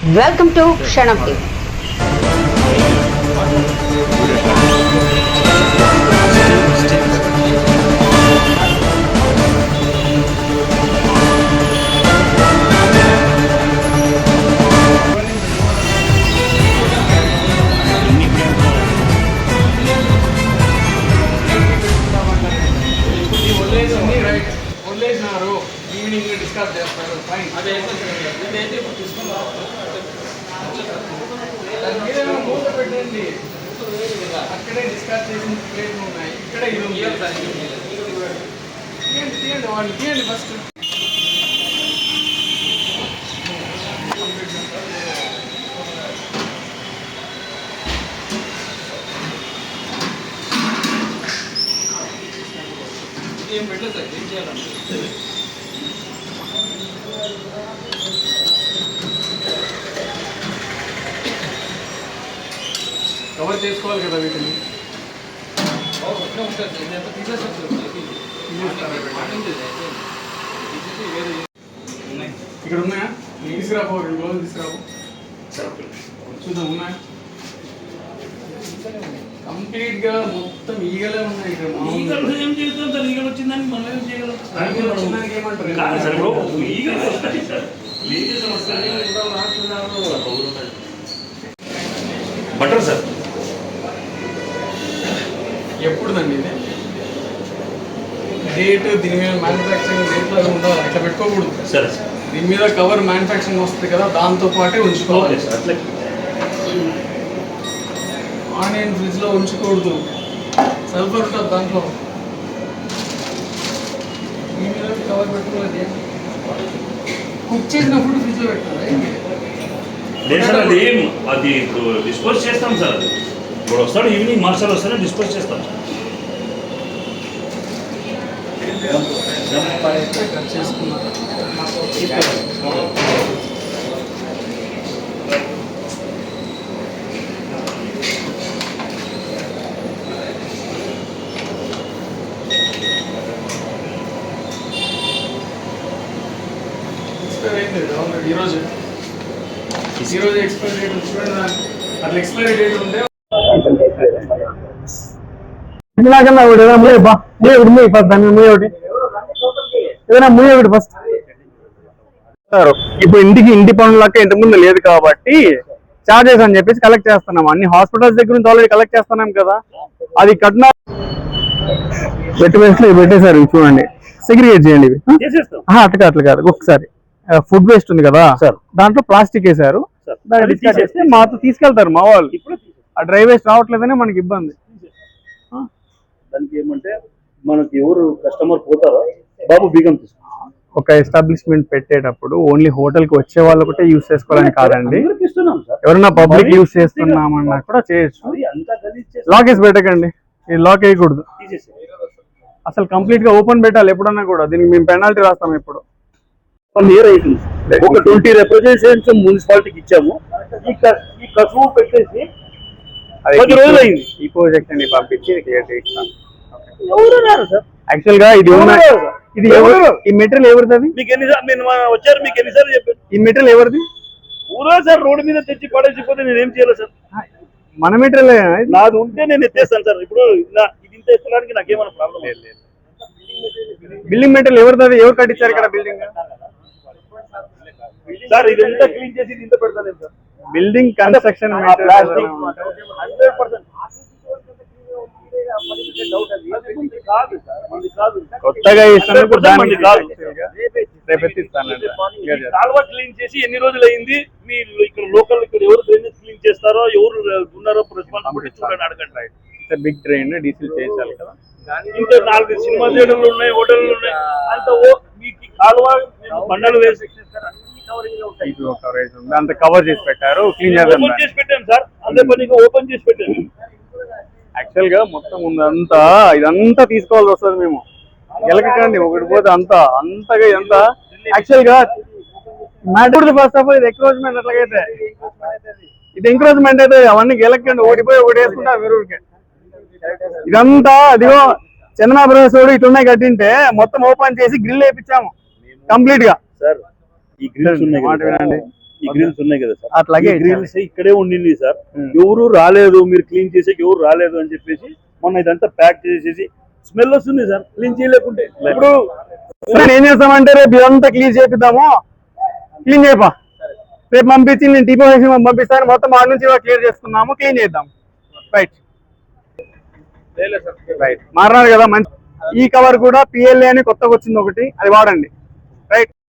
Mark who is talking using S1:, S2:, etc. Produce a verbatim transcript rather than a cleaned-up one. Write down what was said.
S1: Welcome to Shanam T V.
S2: Evening discuss చేస్తారు fine అదే మీరేమో మూత పెట్టండి అక్కడే డిస్కస్ చేసిన ప్లేట్లు ఉన్నాయి ఇక్కడే ఇది తీయండి తీయండి వాళ్ళు తీయండి ఫస్ట్ ఏం పెట్టలేదు సార్ ఏం చేయాలంటే కవర్ చేసుకోవాలి కదా వీటిని ఇక్కడ ఉన్నాయా తీసుకురాబో రెండు రోజులు తీసుకురాబో చూద్దాం ఉన్నాయా కంప్లీట్ గా మొత్తం ఈగలే ఉన్నాయి ఇక్కడ
S3: ఈగలు ఏం చేస్తాం సార్ ఈగలు వచ్చిందని మనం ఏం చేయగలం
S2: వచ్చిందానికి ఏమంటారు
S3: బటర్ సార్
S2: ఎప్పుడుదండి ఇది డేట్ దీని మీద మ్యానుఫ్యాక్చరింగ్ డేట్ లాగా ఉండాలి ఇట్లా పెట్టుకోకూడదు
S3: సరే
S2: దీని మీద కవర్ మ్యానుఫ్యాక్చరింగ్ వస్తుంది కదా దాంతో పాటే ఉంచుకోవాలి ఆనియన్ ఫ్రిడ్జ్ లో ఉంచకూడదు సల్ఫర్ ఉంటుంది దాంట్లో దీని మీద కవర్ పెట్టుకోవాలి కుక్ చేసిన ఫుడ్ ఫ్రిడ్జ్ లో పెట్టాలి
S3: లేదు సార్ అది అది ఇప్పుడు డిస్పోజ్ చేస్తాం సార్ ఇప్పుడు వస్తాడు ఈవినింగ్ మార్షల్ వస్తానే డిస్పోజ్ చేస్తాం
S2: కట్ చేసుకున్నారు ఈరోజు ఈరోజు ఎక్స్పైరీ డేట్ చూడండి అట్లా ఎక్స్పైరీ డేట్ ఉంటే
S4: ఇలాగన్నా ఒకటి ఏదైనా ముయ్య బా ముయ్య ఒకటి ముయ్య ఫస్ట్ దాని ముయ్య ఒకటి ఏదైనా ముయ్య ఒకటి ఫస్ట్ సార్ ఇప్పుడు ఇంటికి ఇంటి పనులకి ఇంటి ముందు లేదు కాబట్టి చార్జెస్ అని చెప్పేసి కలెక్ట్ చేస్తున్నాం అన్ని హాస్పిటల్స్ దగ్గర నుంచి ఆల్రెడీ కలెక్ట్ చేస్తున్నాం కదా అది కట్నా పెట్టి వేస్ట్ పెట్టేసారు చూడండి సెగ్రిగేట్ చేయండి ఇవి అట్లా అట్లా కాదు ఒకసారి ఫుడ్ వేస్ట్ ఉంది కదా సార్ దాంట్లో ప్లాస్టిక్ వేసారు దాన్ని మాతో తీసుకెళ్తారు మా వాళ్ళు ఆ డ్రై వేస్ట్ రావట్లేదనే మనకి ఇబ్బంది
S3: దానికి ఏమంటే మనకి ఎవరు కస్టమర్ పోతారో బాబు బీగం
S4: ఒక ఎస్టాబ్లిష్మెంట్ పెట్టేటప్పుడు ఓన్లీ హోటల్ కి వచ్చే వాళ్ళు ఒకటే యూజ్ చేసుకోవాలని కాదండి ఎవరైనా పబ్లిక్ యూజ్ చేస్తున్నామన్నా కూడా చేయొచ్చు లాక్ వేసి పెట్టకండి ఇది లాక్ వేయకూడదు అసలు కంప్లీట్ గా ఓపెన్ పెట్టాలి ఎప్పుడన్నా కూడా దీనికి మేము పెనాల్టీ రాస్తాం ఇప్పుడు
S3: ఒక ట్వంటీ రిప్రజెంటేషన్స్ మున్సిపాలిటీకి ఇచ్చాము ఈ కసువు పెట్టేసి పది రోజులు అయింది
S4: ఈ ప్రాజెక్ట్ ని పంపించి ఇస్తాను
S3: ఎవరు సార్
S4: యాక్చువల్ గా ఇది ఇది ఎవరు ఈ మెటీరియల్ ఎవరిది
S3: మీకు ఎన్నిసార్లు నేను వచ్చారు మీకు ఎన్నిసార్లు చెప్పాను
S4: ఈ మెటీరియల్ ఎవరిది
S3: ఊరా సార్ రోడ్డు మీద తెచ్చి పడేసిపోతే నేను ఏం చేయాలి సార్
S4: మన మెటీరియల్
S3: నాది ఉంటే నేను ఎత్తేస్తాను సార్ ఇప్పుడు ఇది ఇంత ఎత్తడానికి నాకేమైనా ప్రాబ్లం లేదు
S4: బిల్డింగ్ మెటీరియల్ ఎవరిది ఎవరు కట్టించారు ఇక్కడ బిల్డింగ్
S3: సార్ ఇది ఎంత క్లీన్ చేసి ఇంత పెడతాను sir
S4: building construction
S3: hundred percent
S4: కొత్తగా
S3: కాలువ క్లీన్ చేసి ఎన్ని రోజులు అయింది మీరు ఇక్కడ లోకల్ ఇక్కడ ఎవరు డ్రైనేజ్ క్లీన్ చేస్తారో ఎవరు ఉన్నారో రెస్పాన్సిబిలిటీ చూడండి అడగండి
S4: బిగ్ డ్రైన్ డీజిల్ చేయాలి కదా
S3: ఇంకా నాలుగు సినిమా థియేటర్లు ఉన్నాయి హోటల్లు ఉన్నాయి అంత మీకు కాలువ బండలు వేసి
S4: అంత కవర్ చేసి పెట్టారు క్లీన్
S3: చేసి పెట్టాను సార్ అదే పనిగా ఓపెన్ చేసి పెట్టాను
S4: యాక్చువల్ గా మొత్తం ఉందంతా ఇదంతా తీసుకోవాల్సి వస్తుంది మేము గెలకండి ఒకటి పోతే అంతా అంతగా ఎంత యాక్చువల్ గా మ్యాటర్ ఫస్ట్ ఆఫ్ ఆల్ ఇది ఎంక్రోచ్మెంట్ అట్లాగైతే ఇది ఎంక్రోచ్మెంట్ అయితే అవన్నీ గెలకండి ఓడిపోయి ఒకటి వేసుకుంటారు మీరు ఇదంతా అదిగో చందనాభ్రవేశుడు ఇట్లున్నాయి కట్టింటే మొత్తం ఓపెన్ చేసి గ్రిల్ వేయించాము కంప్లీట్ గా
S3: సార్ ఈ గ్రిల్స్ ఉన్నాయి
S4: మాట వినండి
S3: ఈ గ్రిల్స్ ఉన్నాయి కదా సార్,
S4: అట్లాగే
S3: గ్రిల్స్ ఇక్కడే ఉండింది సార్.
S4: ఉమ్.
S3: ఎవరు రాలేదు, మీరు క్లీన్ చేసేకి ఎవరు రాలేదు అని చెప్పేసి మొన్న ఇదంతా ప్యాక్ చేసేసి స్మెల్ వస్తుంది సార్ క్లీన్ చేయలేకుంటే. ఇప్పుడు
S4: సార్ ఏం చేస్తామంటే రేపు ఇదంతా క్లీన్ చేపిద్దాము, క్లీన్ చేయపా రేపు పంపించి నేను టీపీ పంపిస్తాను, మొత్తం ఆడ నుంచి క్లియర్ చేసుకున్నాము, క్లీన్ చేద్దాం. రైట్ రైట్ మారినారు కదా మంచి. ఈ కవర్ కూడా పిఎల్ఏ అని కొత్తగా వచ్చింది ఒకటి, అది వాడండి. రైట్.